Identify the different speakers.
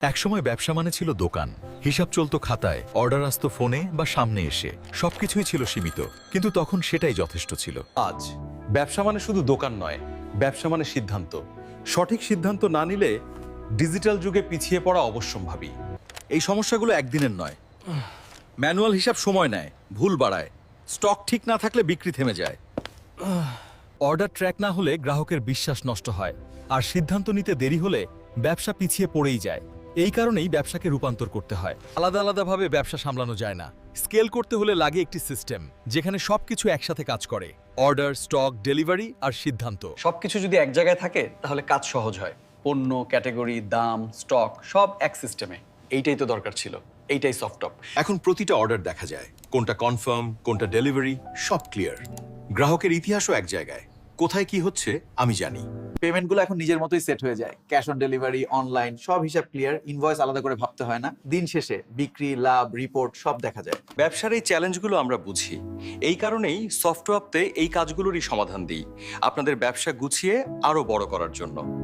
Speaker 1: একসময় ব্যবসা মানে ছিল দোকান, হিসাব চলতো খাতায়, অর্ডার আসতো ফোনে বা সামনে এসে, সবকিছুই ছিল সীমিত, কিন্তু তখন সেটাই যথেষ্ট ছিল।
Speaker 2: আজ ব্যবসা মানে শুধু দোকান নয়, ব্যবসা মানে সিদ্ধান্ত। সঠিক সিদ্ধান্ত না নিলে ডিজিটাল যুগে পিছিয়ে পড়া অবশ্যম্ভাবী।
Speaker 1: এই সমস্যাগুলো একদিনের নয়। ম্যানুয়াল হিসাব সময় নেয়, ভুল বাড়ায়, স্টক ঠিক না থাকলে বিক্রি থেমে যায়, অর্ডার ট্র্যাক না হলে গ্রাহকের বিশ্বাস নষ্ট হয়, আর সিদ্ধান্ত নিতে দেরি হলে ব্যবসা পিছিয়ে পড়েই যায়। এই কারণেই ব্যবসাকে রূপান্তর করতে হয়। আলাদা আলাদাভাবে ব্যবসা সামলানো যায় না। স্কেল করতে হলে লাগে একটি সিস্টেম, যেখানে সবকিছু একসাথে কাজ করে: অর্ডার, স্টক, ডেলিভারি আর সিদ্ধান্ত।
Speaker 3: সবকিছু যদি এক জায়গায় থাকে তাহলে কাজ সহজ হয়। পণ্য, ক্যাটাগরি, দাম, স্টক সব এক সিস্টেমে। এইটাই তো দরকার ছিল, এইটাই সফটটপ।
Speaker 1: এখন প্রতিটা অর্ডার দেখা যায়, কোনটা কনফার্ম, কোনটা ডেলিভারি, সব ক্লিয়ার। গ্রাহকের ইতিহাসও এক জায়গায়, কোথায় কি হচ্ছে আমি জানি।
Speaker 4: পেমেন্টগুলো এখন নিজের মতোই সেট হয়ে যায়, ক্যাশ অন ডেলিভারি, অনলাইন, সব হিসাব ক্লিয়ার, ইনভয়েস আলাদা করে ভাবতে হয় না। দিন শেষে বিক্রি, লাভ, রিপোর্ট সব দেখা যায়।
Speaker 3: ব্যবসার এই চ্যালেঞ্জগুলো আমরা বুঝি, এই কারণেই সফটওয়্যারতে এই কাজগুলোরই সমাধান দিই, আপনাদের ব্যবসা গুছিয়ে আরো বড় করার জন্য।